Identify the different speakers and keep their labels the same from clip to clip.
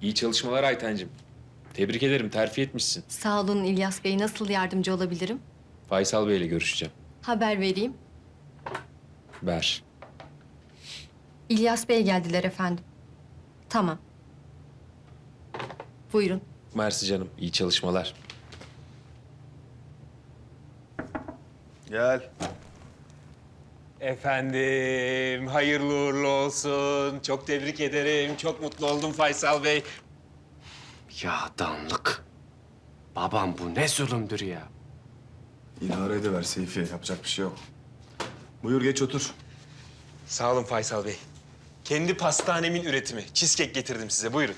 Speaker 1: İyi çalışmalar Aytencim. Tebrik ederim, terfi etmişsin.
Speaker 2: Sağ olun İlyas Bey. Nasıl yardımcı olabilirim?
Speaker 1: Faysal Bey'le görüşeceğim.
Speaker 2: Haber vereyim.
Speaker 1: Ver.
Speaker 2: İlyas Bey geldiler efendim. Tamam. Buyurun.
Speaker 1: Mersi canım, iyi çalışmalar.
Speaker 3: Gel.
Speaker 1: Efendim, hayırlı uğurlu olsun. Çok tebrik ederim. Çok mutlu oldum Faysal Bey.
Speaker 4: Ya danlık. Babam bu ne zulümdür ya.
Speaker 3: İdare ediver Seyfi. Yapacak bir şey yok. Buyur geç otur.
Speaker 1: Sağ olun Faysal Bey. Kendi pastanemin üretimi. Cheesecake getirdim size. Buyurun.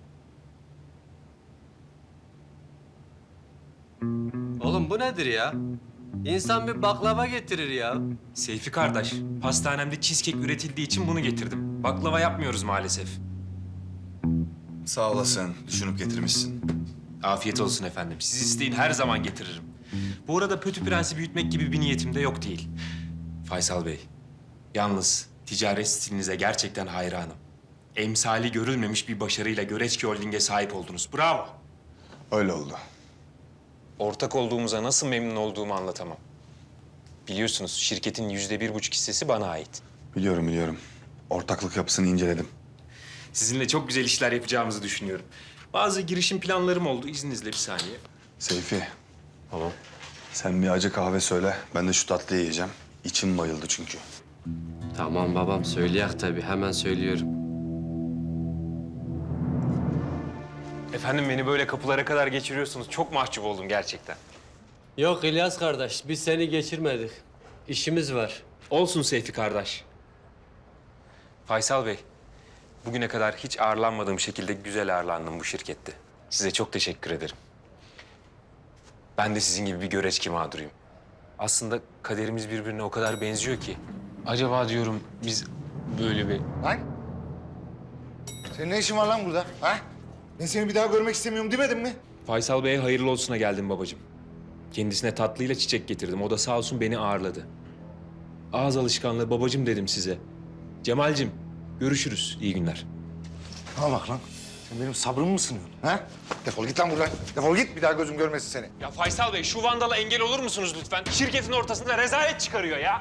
Speaker 4: Oğlum bu nedir ya? İnsan bir baklava getirir ya.
Speaker 1: Seyfi kardeş, pastanemde cheesecake üretildiği için bunu getirdim. Baklava yapmıyoruz maalesef.
Speaker 3: Sağ olasın. Düşünüp getirmişsin.
Speaker 1: Afiyet olsun efendim. Siz isteyin, her zaman getiririm. Bu arada Pötü Prens'i büyütmek gibi bir niyetim de yok değil. Faysal Bey, yalnız ticaret stilinize gerçekten hayranım. Emsali görülmemiş bir başarıyla Göreçki Holding'e sahip oldunuz. Bravo.
Speaker 3: Öyle oldu.
Speaker 1: Ortak olduğumuza nasıl memnun olduğumu anlatamam. Biliyorsunuz şirketin %1,5 hissesi bana ait.
Speaker 3: Biliyorum. Ortaklık yapısını inceledim.
Speaker 1: Sizinle çok güzel işler yapacağımızı düşünüyorum. Bazı girişim planlarım oldu. İzninizle bir saniye.
Speaker 3: Seyfi,
Speaker 1: Tamam.
Speaker 3: sen bir acı kahve söyle. Ben de şu tatlıyı yiyeceğim. İçim bayıldı çünkü.
Speaker 4: Tamam babam söyleyek tabii hemen söylüyorum.
Speaker 1: Efendim beni böyle kapılara kadar geçiriyorsunuz. Çok mahcup oldum gerçekten.
Speaker 4: Yok İlyas kardeş biz seni geçirmedik. İşimiz var.
Speaker 1: Olsun Seyfi kardeş. Faysal Bey, bugüne kadar hiç ağırlanmadığım şekilde güzel ağırlandım bu şirkette. Size çok teşekkür ederim. Ben de sizin gibi bir göreçki mağduruyum. Aslında kaderimiz birbirine o kadar benziyor ki. Acaba diyorum biz böyle bir...
Speaker 5: Lan! Senin ne işin var lan burada? Ha? Ben seni bir daha görmek istemiyorum demedim mi?
Speaker 1: Faysal Bey'e hayırlı olsuna geldim babacığım. Kendisine tatlıyla çiçek getirdim. O da sağ olsun beni ağırladı. Ağız alışkanlığı babacığım dedim size. Cemal'cim görüşürüz. İyi günler.
Speaker 5: Bana bak lan. Sen benim sabrımı mı sınıyorsun? Ha? Defol git lan buradan. Defol git bir daha gözüm görmesin seni.
Speaker 1: Ya Faysal Bey şu vandala engel olur musunuz lütfen? Şirketin ortasında rezalet çıkarıyor ya.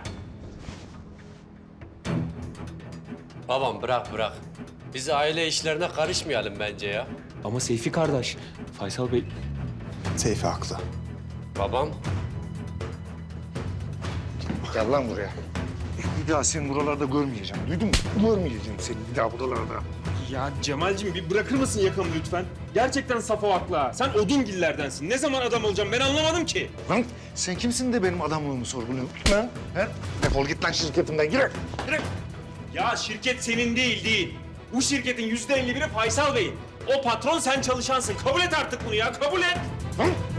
Speaker 4: Babam bırak. Biz aile işlerine karışmayalım bence ya.
Speaker 1: Ama Seyfi kardeş, Faysal Bey...
Speaker 3: Seyfi haklı.
Speaker 4: Babam
Speaker 5: Gel lan buraya. Bir daha seni buralarda görmeyeceğim. Duydun mu? Görmeyeceğim seni bir daha buralarda.
Speaker 1: Ya Cemal'cim bir bırakır mısın yakamı lütfen? Gerçekten safo haklı ha. Sen odungillerdensin. Ne zaman adam olacağım ben anlamadım ki.
Speaker 5: Lan sen kimsin de benim adamlığımı sorguluyorsun lan? He? Defol git lan şirketimden. Gir. Gir.
Speaker 1: Ya şirket senin değil. Bu şirketin %51'i Faysal Bey'in. O patron sen çalışansın. Kabul et artık bunu ya, kabul et.
Speaker 5: Lan